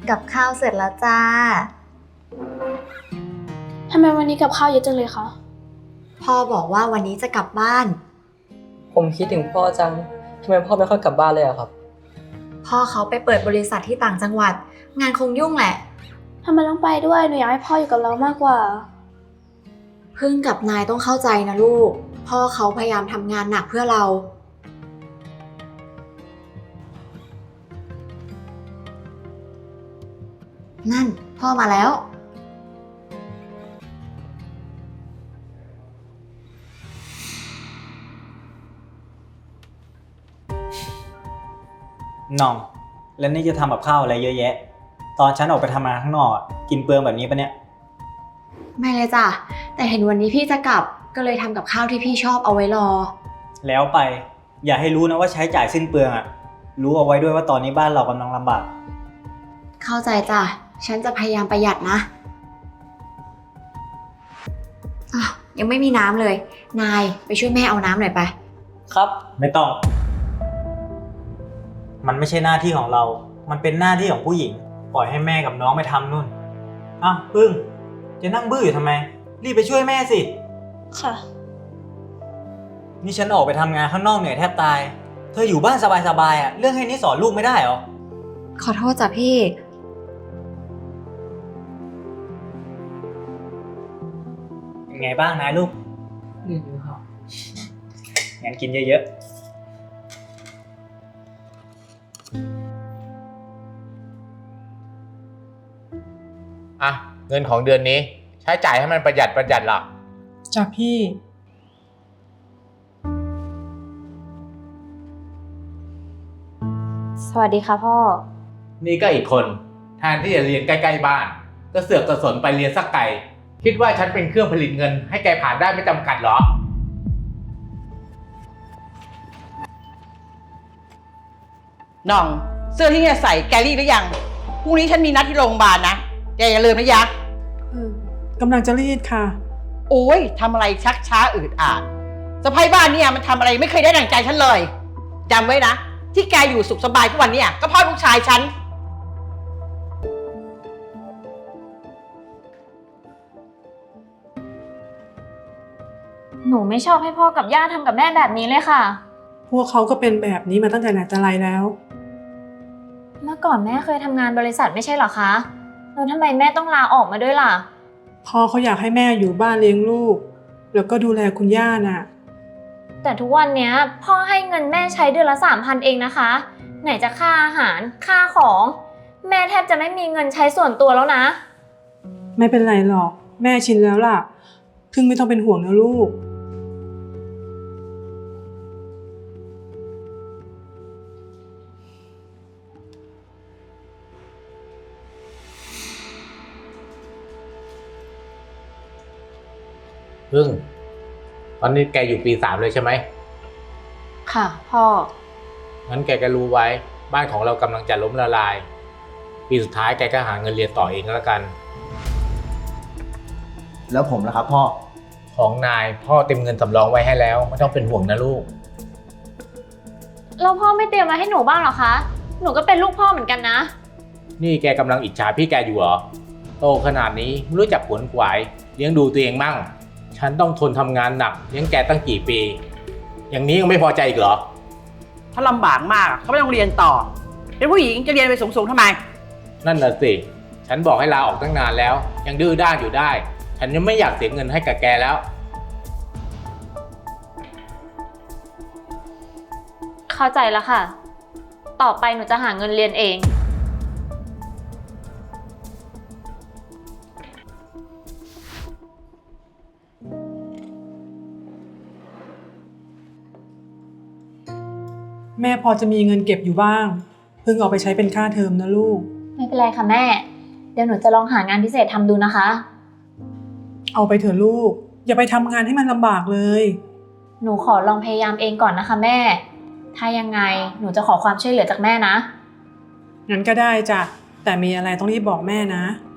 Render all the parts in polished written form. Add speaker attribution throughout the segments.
Speaker 1: กับข้าวเสร็จแล้วจ้า
Speaker 2: ทำไมวันนี้กับข้าวเยอะจังเลยคะ
Speaker 1: พ่อบอกว่าวันนี้จะกลับบ้าน
Speaker 3: ผมคิดถึงพ่อจังทำไมพ่อไม่ค่อยกลับบ้านเลยอะครับ
Speaker 1: พ่อเขาไปเปิดบริษัทที่ต่างจังหวัด งานคงยุ่งแหละ
Speaker 2: ทำไมต้องไปด้วย หนูอยากให้พ่ออยู่กับเรามากกว่า
Speaker 1: พึ่งกับนายต้องเข้าใจนะลูก พ่อเขาพยายามทำงานหนักเพื่อเรา นั่นพ่อมาแล้ว
Speaker 4: น้อง แล้วนี่จะทำกับข้าวอะไรเยอะแยะ ตอนฉันออกไปทำงานข้างนอกกินเปลืองแบบนี้ปะเนี่ย
Speaker 1: ไม่เลยจ้ะ แต่เห็นวันนี้พี่จะกลับ ก็เลยทำกับข้าวที่พี่ชอบเอาไว้รอ
Speaker 4: แล้วไป อย่าให้รู้นะว่าใช้จ่ายสิ้นเปลืองอะรู้เอาไว้ด้วยว่าตอนนี้บ้านเรากำลังลำบาก
Speaker 1: เข้าใจจ้ะ ฉันจะพยายามประหยัดนะอ้าวยังไม่มีน้ำเลย นายไปช่วยแม่เอาน้ำหน่อยไป
Speaker 3: ครับ
Speaker 4: ไม่ต้อง มันไม่ใช่หน้าที่ของเรา มันเป็นหน้าที่ของผู้หญิง ปล่อยให้แม่กับน้องไปทำนู่นอ้าวพึ่งจะนั่งบื้ออยู่ทำไม รีบไปช่วยแม่สิ
Speaker 2: ค่ะ
Speaker 4: นี่ฉันออกไปทำงานข้างนอกเหนื่อยแทบตาย เธออยู่บ้านสบายๆเรื่องแค่นี้สอนลูกไม่ได้เหรอ
Speaker 1: ขอโทษจ้ะพี่
Speaker 4: เป็นไงบ้างนายลูก
Speaker 3: นี่ครับ
Speaker 4: งั้นกินเยอะๆ
Speaker 5: อ่ะเงินของเดือนนี้ใช้จ่ายให้มันประหยัดล่ะ
Speaker 6: จ้ะพี่
Speaker 2: สวัสดีค่ะพ่อ
Speaker 5: นี่ก็อีกคนแทนที่จะเรียนใกล้ๆบ้าน ก็เสือกกระสนไปเรียนสักไกลคิดว่าฉันเป็นเครื่องผลิตเงินให้แกผ่านได้ไม่จำกัดเหรอ
Speaker 7: น้องเสื้อที่เนี่ยใส่แกรีดหรือยังพรุ่งนี้ฉันมีนัดที่โรงพยาบาลนะแกอย่าลืมนะยะ
Speaker 6: กำลังจะรีดค่ะ
Speaker 7: โอ้ยทำอะไรชักช้าอืดอาดสะพ้ายบ้านเนี่ยมันทำอะไรไม่เคยได้ดั่งใจฉันเลยจำไว้นะที่แกอยู่สุขสบายทุกวันเนี่ยก็เพราะลูกชายฉัน
Speaker 8: หนูไม่ชอบให้พ่อกับย่าทำกับแม่แบบนี้เลยค่ะ
Speaker 6: พวกเขาก็เป็นแบบนี้มาตั้งแต่ไหนแต่ไรแล้ว
Speaker 8: เมื่อก่อนแม่เคยทำงานบริษัทไม่ใช่เหรอคะ แล้วทำไมแม่ต้องลาออกมาด้วยล่ะ
Speaker 6: พ่อเขาอยากให้แม่อยู่บ้านเลี้ยงลูก แล้วก็ดูแลคุณย่าน่ะ
Speaker 8: แต่ทุกวันเนี้ยพ่อให้เงินแม่ใช้เดือนละ3,000เองนะคะ ไหนจะค่าอาหารค่าของ แม่แทบจะไม่มีเงินใช้ส่วนตัวแล้วนะ
Speaker 6: ไม่เป็นไรหรอก แม่ชินแล้วล่ะพึ่งไม่ต้องเป็นห่วงนะลูก
Speaker 5: พึ่งตอนนี้แกอยู่ปี3เลยใช่ไหม
Speaker 2: ค่ะ พ่อ
Speaker 5: งั้นแกก็รู้ไว้บ้านของเรากำลังจะล้มละลาย ปีสุดท้ายแกก็หาเงินเรียนต่อเองก็แล้วกัน
Speaker 9: แล้วผมล่ะครับพ่อ
Speaker 5: ของนายพ่อเต็มเงินสำรองไว้ให้แล้วไม่ต้องเป็นห่วงนะลูก
Speaker 8: แล้วพ่อไม่เตรียมมาให้หนูบ้างเหรอคะ หนูก็เป็นลูกพ่อเหมือนกันนะ
Speaker 5: นี่แกกำลังอิจฉาพี่แกอยู่เหรอโตขนาดนี้ไม่รู้จักขวนขวายเลี้ยงดูตัวเองมั่งฉันต้องทนทำงานหนักเลี้ยงแกตั้งกี่ปี อย่างนี้ยังไม่พอใจอีกเหรอ
Speaker 7: ถ้าลำบากมากเขาไม่ต้องเรียนต่อเป็นผู้หญิงจะเรียนไปสูงๆทำไม
Speaker 5: นั่นน่ะสิฉันบอกให้ลาออกตั้งนานแล้ว ยังดื้อด้านอยู่ได้ ฉันยังไม่อยากเสียเงินให้กับแกแล้ว
Speaker 8: เข้าใจแล้วค่ะ ต่อไปหนูจะหาเงินเรียนเอง
Speaker 6: แม่พอจะมีเงินเก็บอยู่บ้างพึ่งเอาไปใช้เป็นค่าเทอมนะลูก
Speaker 8: ไม่เป็นไรค่ะแม่ เดี๋ยวหนูจะลองหางานพิเศษทำดูนะคะ
Speaker 6: เอาไปเถอะลูก อย่าไปทำงานให้มันลำบากเลย
Speaker 8: หนูขอลองพยายามเองก่อนนะคะแม่ ถ้ายังไงหนูจะขอความช่วยเหลือจากแม่นะ
Speaker 6: งั้นก็ได้จ้ะ แต่มีอะไรต้องรีบบอกแม่นะ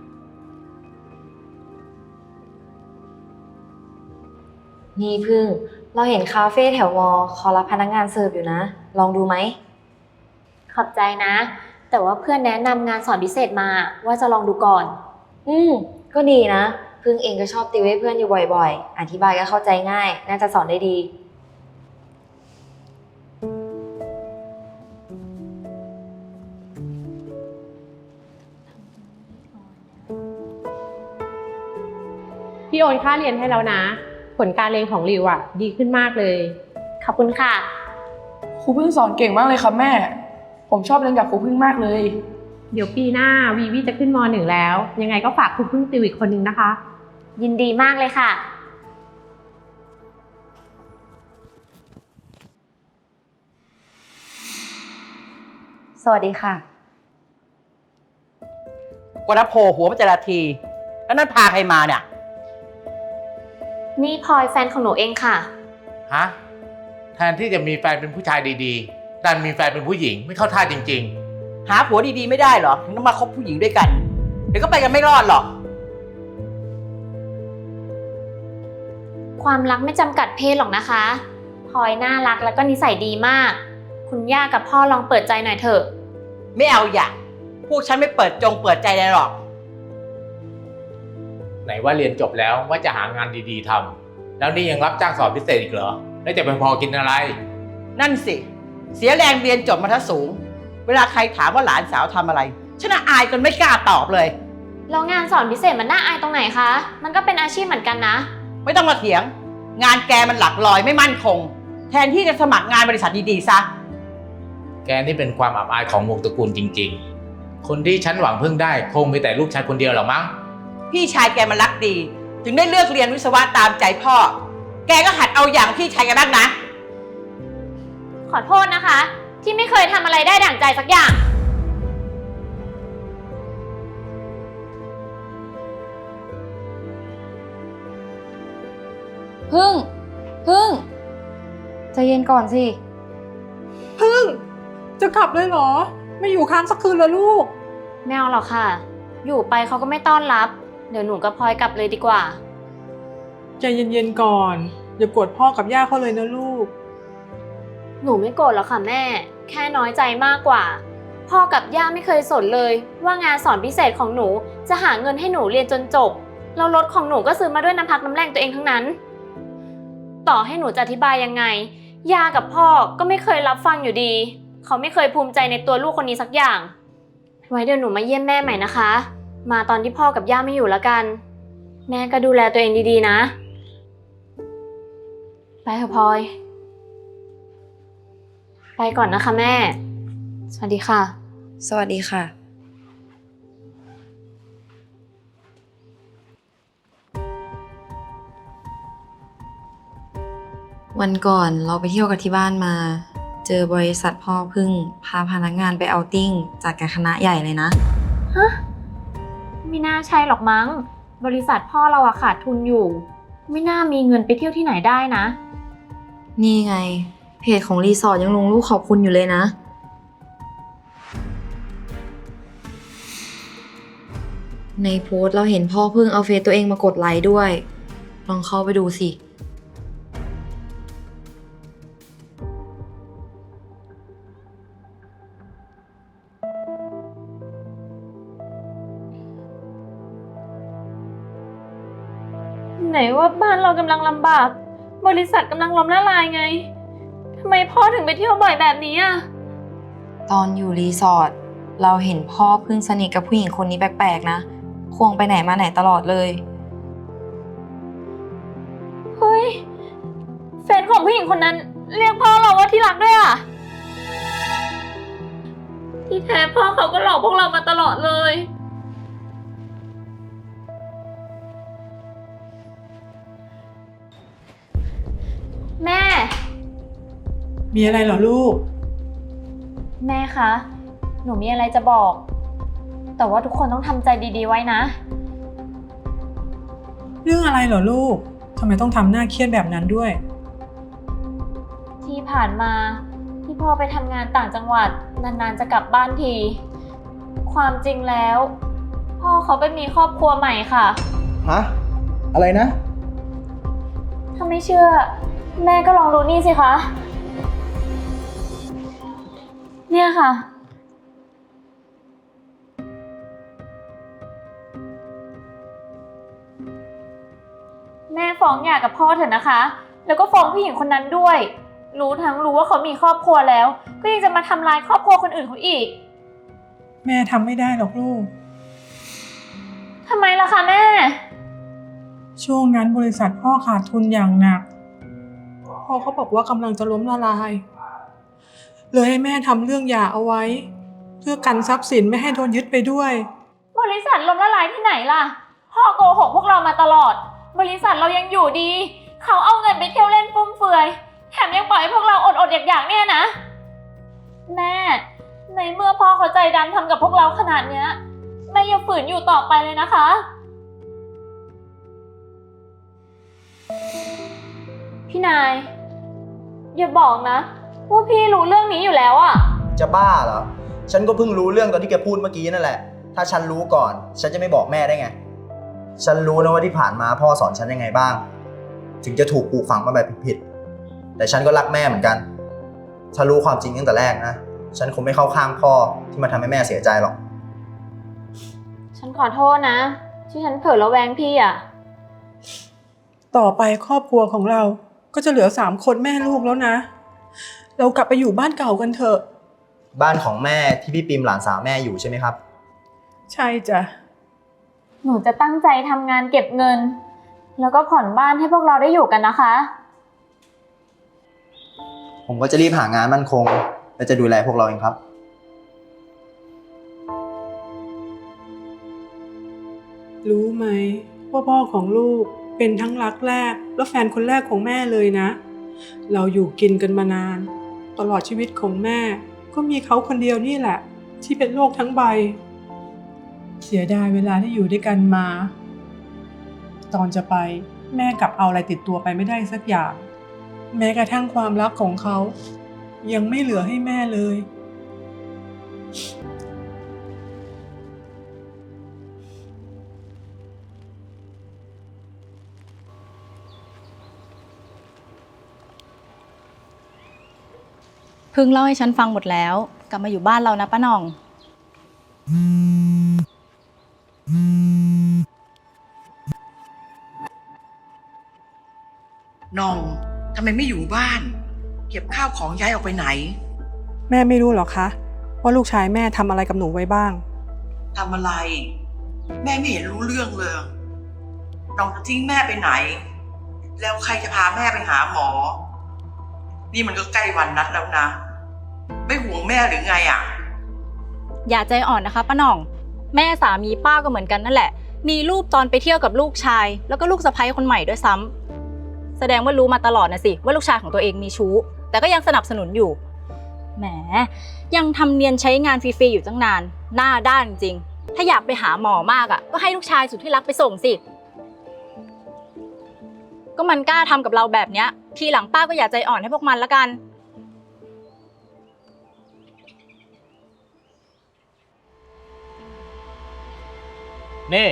Speaker 1: นี่พึ่ง เราเห็นคาเฟ่แถววอเขารับพนักงานเสิร์ฟอยู่นะ ลองดูไหม
Speaker 8: ขอบใจนะ แแต่ว่าเพื่อนแนะนำงานสอนพิเศษมาว่าจะลองดูก่อน
Speaker 9: ก็ดีนะพึ่งเองก็ชอบติวให้เพื่อนอยู่บ่อยๆ อธิบายก็เข้าใจง่าย น่าจะสอนได้ดี
Speaker 10: พี่โอนค่าเรียนให้แล้วนะ ผลการเรียนของริวอะดีขึ้นมากเลย
Speaker 8: ขอบคุณค่ะ
Speaker 11: ครูพึ่งสอนเก่งมากเลยครับแม่ ผมชอบเรียนกับครูพึ่งมากเลย
Speaker 10: เดี๋ยวปีหน้าวีวีจะขึ้นม.1 แล้ว ยังไงก็ฝากครูพึ่งติวอีกคนนึงนะคะ
Speaker 8: ยินดีมากเลยค่ะ
Speaker 9: สวัสดีค่ะ
Speaker 7: กว่าจะโผล่หัวมาแต่ละที แล้วนั่นพาใครมาเนี่ย
Speaker 8: นี่พลอยแฟนของหนูเองค่ะ
Speaker 5: ฮะ แทนที่จะมีแฟนเป็นผู้ชายดีๆดันมีแฟนเป็นผู้หญิงไม่เข้าท่าจริง
Speaker 7: หาผัวดีๆไม่ได้เหรอถึงต้องมาคบผู้หญิงด้วยกัน เดี๋ยวก็ไปกันไม่รอดหรอก
Speaker 8: ความรักไม่จำกัดเพศหรอกนะคะพลอยน่ารักแล้วก็นิสัยดีมาก คุณย่ากับพ่อลองเปิดใจหน่อยเถอะ
Speaker 7: ไม่เอาอย่าพวกฉันไม่เปิดใจเลยหรอก
Speaker 5: ๆ ไหนว่าเรียนจบแล้วว่าจะหางานดีๆทำแล้วนี่ยังรับจ้างสอนพิเศษอีกเหรอแล้วจะไปพอกินอะไร
Speaker 7: นั่นสิ เสียแรงเรียนจบมาทั้งสูง เวลาใครถามว่าหลานสาวทำอะไร ฉันอายจนไม่กล้าตอบเลย
Speaker 8: แล้วงานสอนพิเศษมันน่าอายตรงไหนคะ มันก็เป็นอาชีพเหมือนกันนะ
Speaker 7: ไม่ต้องมาเถียง งานแกมันหลักลอยไม่มั่นคง แทนที่จะสมัครงานบริษัทดีๆซะ
Speaker 5: แกนี่เป็นความอับอายของวงตระกูลจริงๆ คนที่ฉันหวังพึ่งได้คงมีแต่ลูกชายคนเดียวหรอมั้ง
Speaker 7: พี่ชายแกมันรักดี ถึงได้เลือกเรียนวิศวะตามใจพ่อ แกก็หัดเอาอย่างพี่ชายแกบ้างนะ
Speaker 8: ขอโทษนะคะ ที่ไม่เคยทำอะไรได้ดั่งใจสักอย่าง
Speaker 9: พึ่งใจเย็นก่อนสิ
Speaker 6: พึ่ง จะกลับเลยเหรอ ไม่อยู่ค้างสักคืนเลยลูก
Speaker 8: ไม่เอาหรอกค่ะ อยู่ไปเขาก็ไม่ต้อนรับ เดี๋ยวหนูกับพลอยกลับเลยดีกว่า
Speaker 6: ใจเย็นๆก่อน อย่าโกรธพ่อกับย่าเขาเลยนะลูก
Speaker 8: หนูไม่โกรธหรอกค่ะแม่ แค่น้อยใจมากกว่า พ่อกับย่าไม่เคยสนเลย ว่างานสอนพิเศษของหนูจะหาเงินให้หนูเรียนจนจบแล้วรถของหนูก็ซื้อมาด้วยน้ำพักน้ำแรงตัวเองทั้งนั้น ต่อให้หนูจะอธิบายยังไง ย่ากับพ่อก็ไม่เคยรับฟังอยู่ดี เขาไม่เคยภูมิใจในตัวลูกคนนี้สักอย่าง ไว้เดี๋ยวหนูมาเยี่ยมแม่ใหม่นะคะ มาตอนที่พ่อกับย่าไม่อยู่แล้วกัน แม่ก็ดูแลตัวเองดีๆนะ ไปเถอะพลอย ไปก่อนนะคะแม่ สวัสดีค่ะ
Speaker 9: สวัสดีค่ะ วันก่อนเราไปเที่ยวกับที่บ้านมา เจอบริษัทพ่อพึ่งพาพนักงานไปเอาติ้งจัดกับคณะใหญ่เลยนะ
Speaker 8: ฮะ ไม่น่าใช่หรอกมั้ง บริษัทพ่อเราอะขาดทุนอยู่ ไม่น่ามีเงินไปเที่ยวที่ไหนได้นะ
Speaker 9: นี่ไง เพจของรีสอร์ทยังลงรูปขอบคุณอยู่เลยนะ ในโพสต์เราเห็นพ่อพึ่งเอาเฟซตัวเองมากดไลค์ด้วย ลองเข้าไปดูสิ
Speaker 8: ไหนว่าบ้านเรากำลังลำบาก บริษัทกำลังล้มละลายไง ทำไมพ่อถึงไปเที่ยวบ่อยแบบนี้อะ
Speaker 9: ตอนอยู่รีสอร์ทเราเห็นพ่อพึ่งสนิทกับผู้หญิงคนนี้แปลกๆนะ ควงไปไหนมาไหนตลอดเลย
Speaker 8: เฮ้ย แฟนของผู้หญิงคนนั้นเรียกพ่อเราว่าที่รักด้วยอะที่แท้พ่อเขาก็หลอกพวกเรามาตลอดเลย แม่
Speaker 6: มีอะไรเหรอลูก
Speaker 8: แม่คะ หนูมีอะไรจะบอก แต่ว่าทุกคนต้องทำใจดีๆไว้นะ
Speaker 6: เรื่องอะไรเหรอลูก ทำไมต้องทำหน้าเครียดแบบนั้นด้วย
Speaker 8: ที่ผ่านมาที่พ่อไปทำงานต่างจังหวัดนานๆจะกลับบ้านที ความจริงแล้ว พ่อเขาไปมีครอบครัวใหม่ค่ะ
Speaker 12: ฮะ อะไรนะ
Speaker 8: ถ้าไม่เชื่อ แม่ก็ลองดูนี่สิคะ เนี่ยค่ะฟ้องหย่ากับพ่อเถอะนะคะ แล้วก็ฟ้องผู้หญิงคนนั้นด้วย รู้ว่าเขามีครอบครัวแล้ว ก็ยังจะมาทำลายครอบครัวคนอื่นเขาอีก
Speaker 6: แม่ทำไม่ได้หรอกลูก
Speaker 8: ทำไมล่ะคะแม่
Speaker 6: ช่วงนั้นบริษัทพ่อขาดทุนอย่างหนัก พ่อเขาบอกว่ากำลังจะล้มละลาย เลยให้แม่ทำเรื่องหย่าเอาไว้ เพื่อกันทรัพย์สินไม่ให้โดนยึดไปด้วย
Speaker 8: บริษัทล้มละลายที่ไหนล่ะ พ่อโกหกพวกเรามาตลอด บริษัทเรายังอยู่ดี เขาเอาเงินไปเที่ยวเล่นฟุ่มเฟือยแถมยังปล่อยให้พวกเราอดอยากๆเนี่ยนะ แม่ในเมื่อพ่อเขาใจดำทำกับพวกเราขนาดเนี้ยแม่อย่าฝืนอยู่ต่อไปเลยนะคะ พี่นายอย่าบอกนะว่าพี่รู้เรื่องนี้อยู่แล้วอะ
Speaker 12: จะบ้าเหรอ ฉันก็เพิ่งรู้เรื่องตอนที่แกพูดเมื่อกี้นั่นแหละ ถ้าฉันรู้ก่อน ฉันจะไม่บอกแม่ได้ไง ฉันรู้นะว่าที่ผ่านมาพ่อสอนฉันยังไงบ้าง ถึงจะถูกปลูกฝังมาแบบผิดๆแต่ฉันก็รักแม่เหมือนกัน ถ้ารู้ความจริงตั้งแต่แรกนะ ฉันคงไม่เข้าข้างพ่อที่มาทำให้แม่เสียใจหรอก
Speaker 8: ฉันขอโทษนะที่ฉันเผลอระแวงพี่อะ
Speaker 6: ต่อไปครอบครัวของเราก็จะเหลือ3 คนแม่ลูกแล้วนะ เรากลับไปอยู่บ้านเก่ากันเถอะ
Speaker 12: บ้านของแม่ที่พี่ปิมหลานสาวแม่อยู่ใช่ไหมครับ
Speaker 6: ใช่จ้ะ
Speaker 8: หนูจะตั้งใจทำงานเก็บเงิน แล้วก็ผ่อนบ้านให้พวกเราได้อยู่กันนะคะ
Speaker 12: ผมก็จะรีบหางานมั่นคง และจะดูแลพวกเราเองครับ
Speaker 6: รู้ไหมว่าพ่อของลูกเป็นทั้งรักแรกและแฟนคนแรกของแม่เลยนะ เราอยู่กินกันมานาน ตลอดชีวิตของแม่ก็มีเขาคนเดียวนี่แหละ ที่เป็นโลกทั้งใบ เสียดายเวลาที่อยู่ด้วยกันมา ตอนจะไปแม่กลับเอาอะไรติดตัวไปไม่ได้สักอย่าง แม้กระทั่งความรักของเขายังไม่เหลือให้แม่เลย
Speaker 13: เพิ่งเล่าให้ฉันฟังหมดแล้ว กลับมาอยู่บ้านเรานะป้าหน่อง
Speaker 7: น้องทำไมไม่อยู่บ้าน เก็บข้าวของย้ายออกไปไหน
Speaker 6: แม่ไม่รู้หรอคะว่าลูกชายแม่ทำอะไรกับหนูไว้บ้าง
Speaker 7: ทำอะไร แม่ไม่เห็นรู้เรื่องเลย น้องจะทิ้งแม่ไปไหน แล้วใครจะพาแม่ไปหาหมอ นี่มันก็ใกล้วันนัดแล้วนะ ไม่ห่วงแม่หรือไงอ่ะ
Speaker 13: อย่าใจอ่อนนะคะป้าหน่อง แม่สามีป้าก็เหมือนกันนั่นแหละ มีรูปตอนไปเที่ยวกับลูกชาย แล้วก็ลูกสะใภ้คนใหม่ด้วยซ้ำแสดงว่ารู้มาตลอดนะสิว่าลูกชายของตัวเองมีชู้ แต่ก็ยังสนับสนุนอยู่แหมยังทำเนียนใช้งานฟรีๆอยู่ตั้งนานหน้าด้านจริงถ้าอยากไปหาหมอมากอ่ะก็ให้ลูกชายสุดที่รักไปส่งสิก็มันกล้าทำกับเราแบบเนี้ยทีหลังป้าก็อย่าใจอ่อนให้พวกมันละกัน
Speaker 5: นี่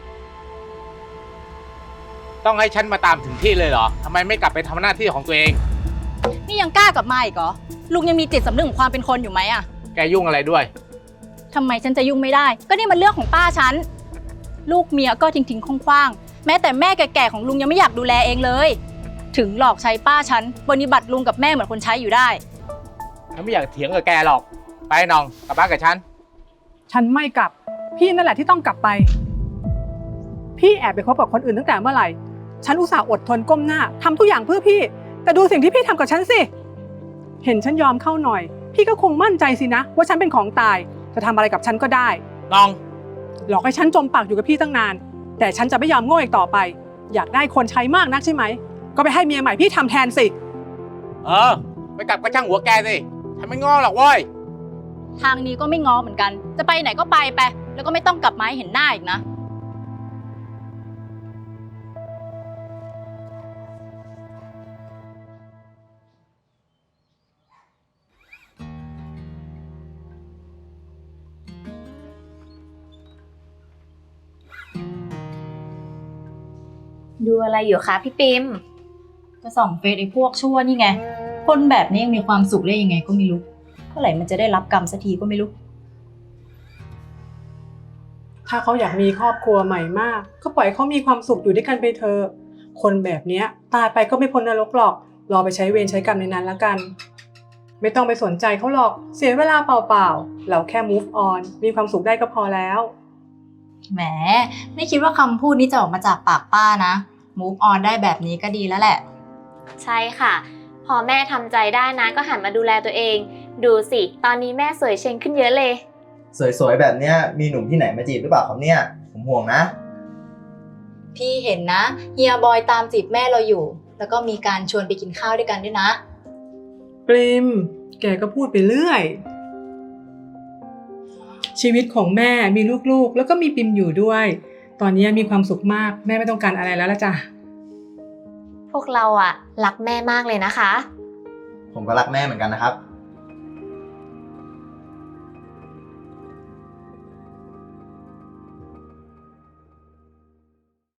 Speaker 5: ต้องให้ฉันมาตามถึงที่เลยเหรอทำไมไม่กลับไปทำหน้าที่ของตัวเอง
Speaker 13: นี่ยังกล้ากลับมาอีกเหรอลุงยังมีจิตสำนึกของความเป็นคนอยู่ไหมอะ
Speaker 5: แกยุ่งอะไรด้วย
Speaker 13: ทำไมฉันจะยุ่งไม่ได้ก็นี่มันเรื่องของป้าฉันลูกเมียก็ทิ้งๆคว้างๆแม้แต่แม่แก่ๆของลุงยังไม่อยากดูแลเองเลยถึงหลอกใช้ป้าฉันปฏิบัติลุงกับแม่เหมือนคนใช้อยู่ได้
Speaker 5: ฉันไม่อยากเถียงกับแกหรอกไปน้องกลับบ้านกับฉัน
Speaker 6: ฉันไม่กลับ พี่นั่นแหละที่ต้องกลับไป พี่แอบไปคบกับคนอื่นตั้งแต่เมื่อไหร่ฉันอุตส่าห์อดทนก้มหน้าทำทุกอย่างเพื่อพี่แต่ดูสิ่งที่พี่ทำกับฉันสิเห็นฉันยอมเข้าหน่อยพี่ก็คงมั่นใจสินะว่าฉันเป็นของตายจะทำอะไรกับฉันก็ได้
Speaker 5: น้อง
Speaker 6: หลอกให้ฉันจมปากอยู่กับพี่ตั้งนานแต่ฉันจะไม่ยอมโง่อีกต่อไปอยากได้คนใช้มากนักใช่ไหมก็ไปให้เมียใหม่พี่ทำแทนสิ
Speaker 5: ไปกลับก็ช่างหัวแกสิฉันไม่ง้อหรอกเว้ย
Speaker 13: ทางนี้ก็ไม่ง้อเหมือนกันจะไปไหนก็ไปแล้วก็ไม่ต้องกลับมาให้เห็นหน้าอีกนะ
Speaker 8: ดูอะไรอยู่คะพี่ปิม
Speaker 13: ก็ส่องเฟซไอ้พวกชั่วนี่ไงคนแบบนี้ยังมีความสุขได้ยังไงก็ไม่รู้เมื่อไหร่มันจะได้รับกรรมสักทีก็ไม่รู้
Speaker 6: ถ้าเขาอยากมีครอบครัวใหม่มากก็ปล่อยเขามีความสุขอยู่ด้วยกันไปเถอะคนแบบเนี้ยตายไปก็ไม่พ้นนรกหรอก รอไปใช้เวรใช้กรรมในนั้นแล้วกัน ไม่ต้องไปสนใจเขาหรอก เสียเวลาเปล่าๆ เราแค่ move on มีความสุขได้ก็พอแล้ว
Speaker 13: แหม ไม่คิดว่าคำพูดนี้จะออกมาจากปากป้านะ move on ได้แบบนี้ก็ดีแล้วแหละ
Speaker 8: ใช่ค่ะ พอแม่ทำใจได้นะก็หันมาดูแลตัวเอง ดูสิ ตอนนี้แม่สวยเชงขึ้นเยอะเลย
Speaker 12: สวยๆแบบเนี้ยมีหนุ่มที่ไหนมาจีบหรือเปล่าครับเนี่ย ผมห่วงนะ
Speaker 13: พี่เห็นนะเฮียบอยตามจีบแม่เราอยู่ แล้วก็มีการชวนไปกินข้าวด้วยกันด้วยนะ
Speaker 6: ปริม แกก็พูดไปเรื่อย ชีวิตของแม่มีลูกๆ แล้วก็มีปิมอยู่ด้วย ตอนนี้มีความสุขมาก แม่ไม่ต้องการอะไรแล้วละจ้ะ
Speaker 8: พวกเราอะรักแม่มากเลยนะคะ
Speaker 12: ผมก็รักแม่เหมือนกันนะครับ